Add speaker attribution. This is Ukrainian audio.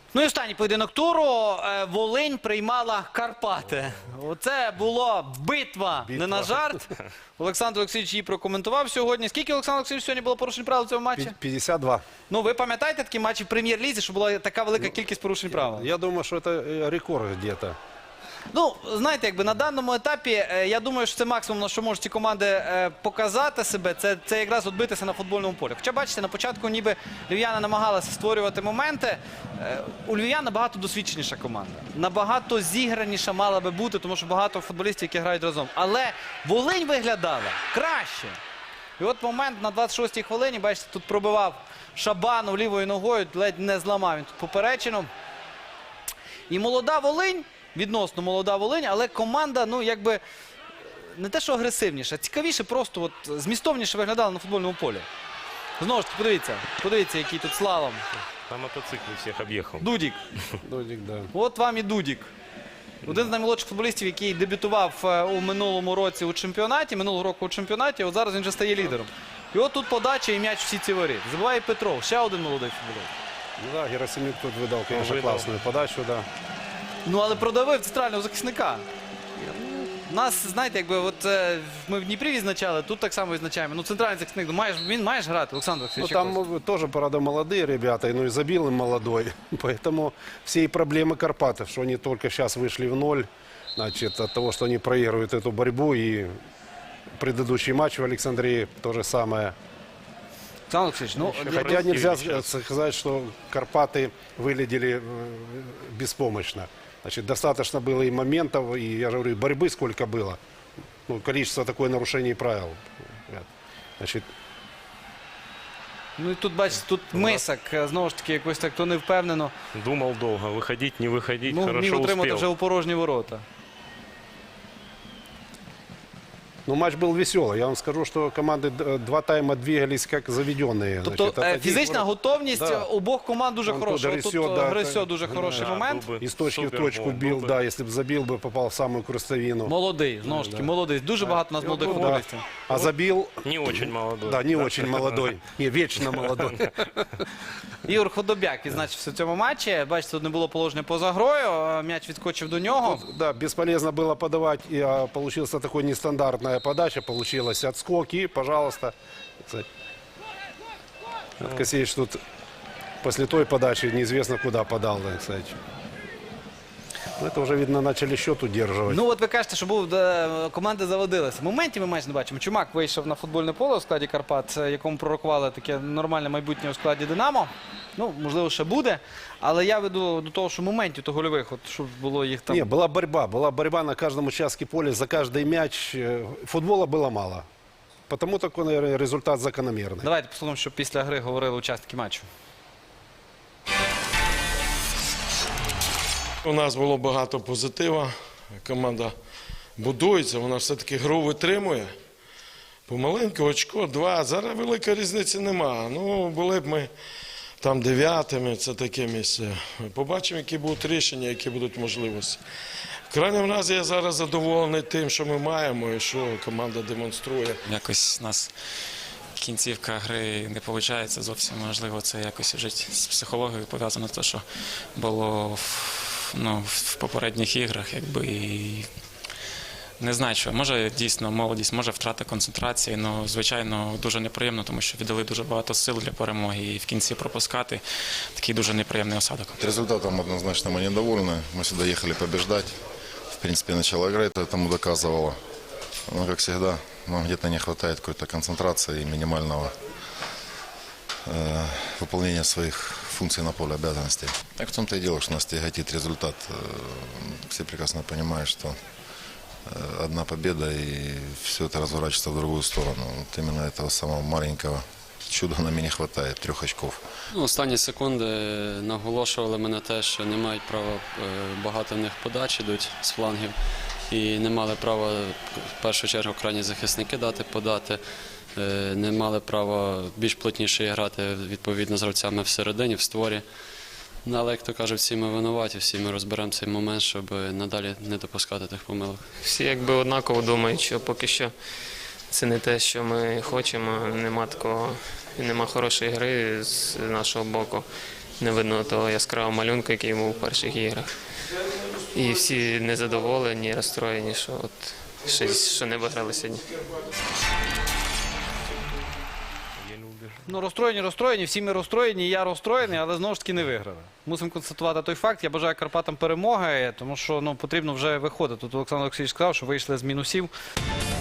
Speaker 1: Ну і останній поєдинок туру. Волинь приймала Карпати. Оце була битва, не на жарт. Олександр Олексійович її прокоментував сьогодні. Скільки, Олександр Олексійович, сьогодні було порушень правил в цьому матчі?
Speaker 2: 52.
Speaker 1: Ну, ви пам'ятаєте такі матчі в Прем'єр-лізі, що була така велика кількість порушень правил?
Speaker 2: Я думаю, что это рекорд где-то.
Speaker 1: Ну, знаєте, якби на даному етапі, я думаю, що це максимум, на що можуть ці команди показати себе, це якраз відбитися на футбольному полі. Хоча, бачите, на початку ніби львів'яни намагалися створювати моменти. У львів'ян набагато досвідченіша команда. Набагато зіграніша мала би бути, тому що багато футболістів, які грають разом. Але Волинь виглядала краще. І от момент на 26-й хвилині, бачите, тут пробивав Шабанов лівою ногою, ледь не зламав він тут поперечину. І молода Волинь, відносно молода Волинь, але команда, ну, якби, не те, що агресивніша, цікавіше, просто от, змістовніше виглядала на футбольному полі. Знову ж таки, подивіться, який тут слалом.
Speaker 3: На мотоциклі всіх об'їхав.
Speaker 1: Дудік.
Speaker 2: Дудик, да.
Speaker 1: От вам і Дудік. Один з наймолодших футболістів, який дебютував у минулому році у чемпіонаті, минулого року у чемпіонаті, от зараз він вже стає лідером. І от тут подача і м'яч всі ці воріт. Забуває Петров, ще один молодий футболіст.
Speaker 2: Ну да, Герасимюк тут выдал, конечно,
Speaker 3: Выдал.
Speaker 2: классную подачу, да.
Speaker 1: Ну, але продавив центрального захисника. Нас, знаєте, якби от ми в Дніпрі відзначали, тут так само відзначаємо. Ну, центральний захисник, він має ж грати, Олександр
Speaker 2: Ну,
Speaker 1: Олексійович.
Speaker 2: там тоже, правда, молодые ребята, ну и забил им молодой. Поэтому все и проблемы Карпатов, что они только сейчас вышли в ноль, значит, от того, что они проигрывают эту борьбу. И предыдущий матч в Александрии то же самое.
Speaker 1: Олександр Олексійович, ну,
Speaker 2: Хотя нельзя
Speaker 3: сейчас.
Speaker 2: сказать, что Карпаты выглядели беспомощно. Значит, достаточно было и моментов, и, я же говорю, борьбы сколько было. Ну, количество такое нарушений правил. Значит,
Speaker 1: ну і тут, бачите, тут Мисак, знову ж таки, якось так то не впевнено.
Speaker 3: Думав довго, виходить, не виходить,
Speaker 1: Ну, міг
Speaker 3: хорошо
Speaker 1: отримати вже
Speaker 3: успів.
Speaker 1: у порожні ворота.
Speaker 2: ну, матч был веселый. Я вам скажу, что команды два тайма двигались как заведенные.
Speaker 1: Тобто
Speaker 2: Значит, от
Speaker 1: фізична
Speaker 2: таких
Speaker 1: готовність
Speaker 2: Да.
Speaker 1: обох команд дуже
Speaker 2: Там
Speaker 1: хороша.
Speaker 2: тут
Speaker 1: Тут
Speaker 2: Грисьо, да,
Speaker 1: Грисьо
Speaker 2: так.
Speaker 1: дуже хороший
Speaker 3: Да,
Speaker 1: момент.
Speaker 3: був би
Speaker 2: из точки в
Speaker 3: супер
Speaker 2: точку
Speaker 3: гол,
Speaker 2: бил,
Speaker 3: був би.
Speaker 2: да, если бы забил бы, попал в самую крестовину.
Speaker 1: Молодий, знову ж таки, молодий. Дуже багато у нас молодих
Speaker 2: Ну, да.
Speaker 1: футболістів.
Speaker 2: А забил,
Speaker 3: Не очень молодой.
Speaker 2: да, не очень молодой, не вечно молодой.
Speaker 1: Ігор Ходобяк відзначився в цьому матчі. Бачите, тут не було положення поза грою. М'яч відскочив до нього.
Speaker 2: Да, бесполезно было подавать, и получился такой нестандартная подача, получилось отскок, и, пожалуйста, кстати, Косеевич тут после той подачи неизвестно куда подал, да, кстати. Ну, это уже, видно, начали счет удерживать.
Speaker 1: Ну, от ви кажете, що був, команди заводилися. Моментів ми майже не бачимо. Чумак вийшов на футбольне поле у складі Карпат, якому пророкували таке нормальне майбутнє у складі Динамо. Ну, можливо, ще буде. Але я веду до того, що моментів то гольових, от, щоб було їх там.
Speaker 2: Не, была борьба на каждом участке поля, за каждый мяч. Футбола было мало. Потому такой, наверное, результат закономерный.
Speaker 1: Давайте послухаємо, що після гри говорили учасники матчу.
Speaker 4: У нас було багато позитива. Команда будується, вона все-таки гру витримує. Помаленьку, очко, 2. Зараз великої різниці нема. Ну, були б ми там 9-ми, це таке місце. Побачимо, які будуть рішення, які будуть можливості. В крайньому разі я зараз задоволений тим, що ми маємо і що команда демонструє.
Speaker 5: Якось у нас кінцівка гри не виходить зовсім. Можливо, це якось вже з психологією пов'язано, те, що було в попередніх іграх, якби і не знаю, що. Може дійсно молодість, може втрата концентрації, але, звичайно, дуже неприємно, тому що віддали дуже багато сил для перемоги і в кінці пропускати такий дуже неприємний осадок.
Speaker 6: Результатом однозначно мы недовольны. Мы сюда ехали побеждать. В принципе, начало игры это тому доказывало. Но, как всегда, нам где-то не хватает какой-то концентрации и минимального выполнения своих функций на поле, обязанностей. Так в том-то и дело, что нас тяготит результат. Все прекрасно понимают, что одна победа и все это разворачивается в другую сторону. Вот именно этого самого маленького чуда нам и не хватает, 3 очков.
Speaker 7: Останні секунди наголошували мене те, що не мають права, багато в них подач ідуть з флангів. І не мали права, в першу чергу, крайні захисники дати подати. Не мали права більш плотніше грати, відповідно, з гравцями всередині, в створі. Але, як то кажуть, всі ми винуваті, всі ми розберемо цей момент, щоб надалі не допускати тих помилок.
Speaker 8: Всі якби однаково думають, що поки що це не те, що ми хочемо, нема такого, нема хорошої гри з нашого боку. не видно того яскравого малюнку, який був у перших іграх. І всі незадоволені, розстроєні, що що не виграли сьогодні.
Speaker 1: Ну, розстроєні, всі ми розстроєні, і я розстроєний, але знову ж таки не виграли. Мусимо констатувати той факт. Я бажаю Карпатам перемоги, тому що потрібно вже виходити. Тут Олександр Олексійович сказав, що вийшли з мінусів.